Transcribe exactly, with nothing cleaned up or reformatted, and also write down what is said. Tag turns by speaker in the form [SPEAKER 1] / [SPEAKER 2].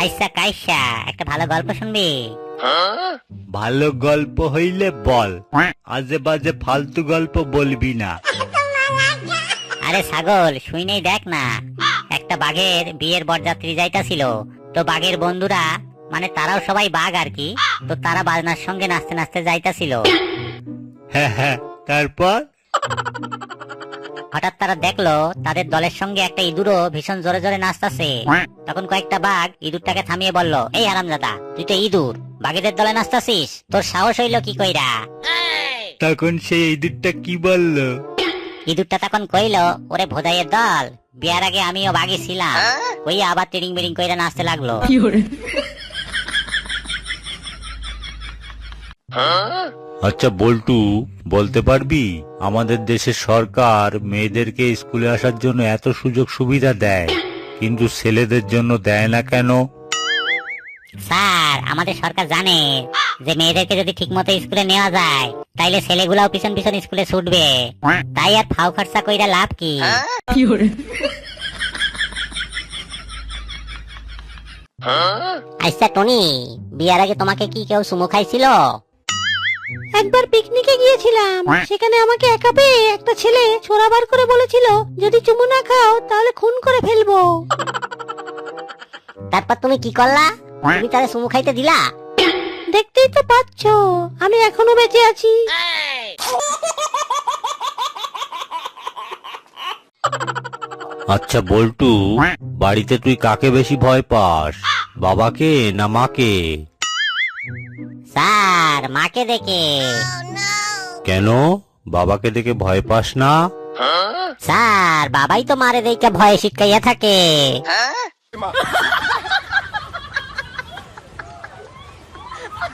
[SPEAKER 1] আইসা কাইসা একটা ভালো গল্প শুনবি?
[SPEAKER 2] ভালো গল্প হইলে বল, আজে বাজে ফালতু গল্প বলবি না।
[SPEAKER 1] আরে ছাগল, শুই নেই দেখ না, একটা বাঘের বিয়ের বরযাত্রী যাইতাছিল। তো বাঘের বন্ধুরা, মানে তারাও সবাই বাঘ আর কি, তো তারা বাজনার সঙ্গে নাচতে নাচতে যাইতাছিল।
[SPEAKER 2] হ্যাঁ হ্যাঁ, তারপর?
[SPEAKER 1] হঠাৎ তারা দেখলো তাদের দলের সঙ্গে একটা ইঁদুরও ভীষণ জোরে জোরে নাচতাছে। তখন কয়েকটা বাঘ ইঁদুরটাকে থামিয়ে বলল, এই হারামজাদা, তুই তো ইঁদুর, বাঘেদের দলে নাচতাছিস, তোর সাহস হইলো কি কইরা?
[SPEAKER 2] তখন সেই ইঁদুরটা কি বলল?
[SPEAKER 1] ইঁদুরটা তখন কইল, ওরে ভোদাইয়ের দল, বিয়ার আগে আমিও বাঘই ছিলাম, ওই আবার টিডিং বিডিং কইরা নাচতে লাগলো।
[SPEAKER 2] আচ্ছা বল্টু, বলতে পারবি আমাদের দেশের সরকার মেয়েদেরকে স্কুলে আসার জন্য এত সুযোগ সুবিধা দেয়, কিন্তু ছেলেদের জন্য দেয় না কেন?
[SPEAKER 1] স্যার, আমাদের সরকার জানে যে মেয়েদেরকে যদি ঠিক মতো স্কুলে নেওয়া যায় তাইলে ছেলেগুলাও পিছন পিছন স্কুলে ছুটবে, তাই আর ফাও খরচা কইরা লাভ কি? আচ্ছা টনি, বিয়ার আগে তোমাকে কি কেউ চুমু খাইছিল?
[SPEAKER 3] একবার পিকনিকে গিয়েছিলাম, সেখানে আমাকে একা পেয়ে একটা ছেলে ছোরা বার করে বলেছিল, যদি চুমু না খাও তাহলে খুন করে ফেলবো।
[SPEAKER 1] তারপর তুমি কি করলা? তুমি তারে চুমু খাইতে দিলা?
[SPEAKER 3] দেখতেই তো পাচ্ছো আমি এখনো বেঁচে আছি।
[SPEAKER 2] আচ্ছা বল্টু, বাড়িতে তুই কাকে বেশি ভয় পাস, বাবাকে না মাকে?
[SPEAKER 1] স্যার, মাকে দেখে।
[SPEAKER 2] কেন, বাবাকে দেখে ভয় পাস না?
[SPEAKER 1] স্যার, বাবাই তো মারে দেখে ভয়ে শিটকাইয়া থাকে।